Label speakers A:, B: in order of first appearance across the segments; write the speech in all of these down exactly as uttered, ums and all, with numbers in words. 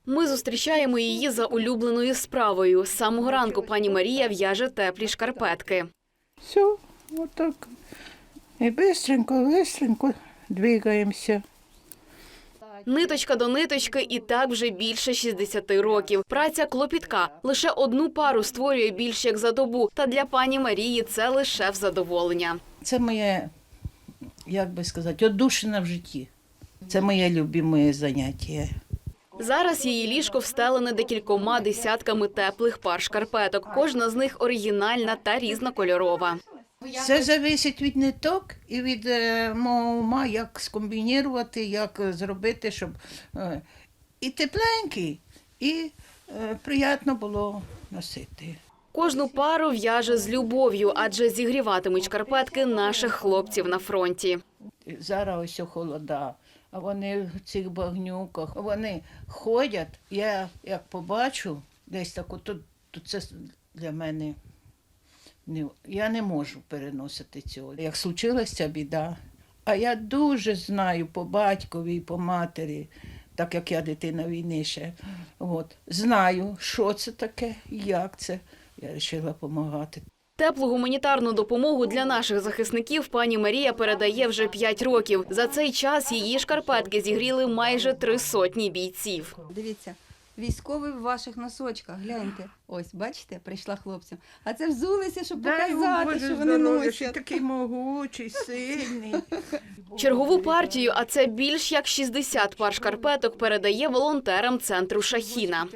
A: Ми зустрічаємо її за улюбленою справою. З самого ранку пані Марія в'яже теплі шкарпетки.
B: Все, вот так. И быстренько, быстренько двигаемся.
A: Ниточка до ниточки і так вже більше шістдесяти років. Праця клопітка. Лише одну пару створює більш як за добу. Та для пані Марії це лише в задоволення.
B: Це моє, як би сказати, одушина в житті. Це моє любиме заняття.
A: Зараз її ліжко встелене декількома десятками теплих пар шкарпеток. Кожна з них оригінальна та різнокольорова.
B: Все залежить від ниток і від е, мого ума, як скомбінувати, як зробити, щоб е, і тепленький, і е, приємно було носити.
A: Кожну пару в'яже з любов'ю, адже зігріватимуть шкарпетки наших хлопців на фронті.
B: Зараз ось холода, а вони в цих багнюках, вони ходять, я як побачу, десь так, то, то це для мене, не, я не можу переносити цього. Як случилася біда, а я дуже знаю по батькові і по матері, так як я дитина війни ще, от, знаю, що це таке, як це, я вирішила допомагати.
A: Теплу гуманітарну допомогу для наших захисників пані Марія передає вже п'ять років. За цей час її шкарпетки зігріли майже три сотні бійців.
C: Дивіться, військовий в ваших носочках, гляньте. Ось, бачите, прийшла хлопцям. А це взулися, щоб показати, що вони носять.
B: Такий могучий, сильний.
A: Чергову партію, а це більш як шістдесят пар шкарпеток, передає волонтерам центру «Шахіна».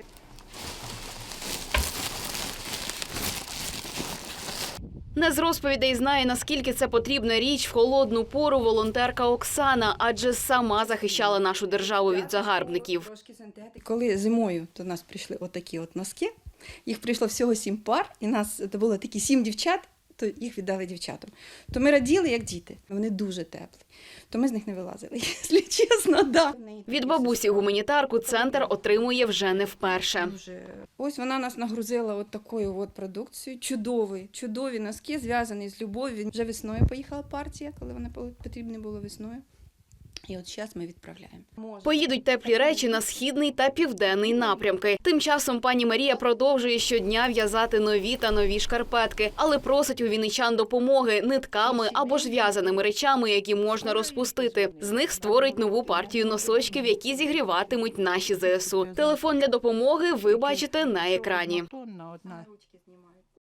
A: Не з розповідей знає, наскільки це потрібна річ в холодну пору волонтерка Оксана, адже сама захищала нашу державу від загарбників.
C: Коли зимою до нас прийшли отакі от носки, їх прийшло всього сім пар, і нас це було такі сім дівчат, то їх віддали дівчатам. То ми раділи, як діти. Вони дуже теплі. То ми з них не вилазили, якщо чесно, да.
A: Від бабусі гуманітарку центр отримує вже не вперше.
C: Ось вона нас нагрузила от такою от продукцією. Чудові, чудові носки, зв'язані з любов'ю. Вже весною поїхала партія, коли вона потрібна була весною. І от зараз ми відправляємо.
A: Поїдуть теплі речі на східний та південний напрямки. Тим часом пані Марія продовжує щодня в'язати нові та нові шкарпетки, але просить у вінничан допомоги нитками або ж в'язаними речами, які можна розпустити. З них створить нову партію носочків, які зігріватимуть наші зе ес у. Телефон для допомоги ви бачите на екрані.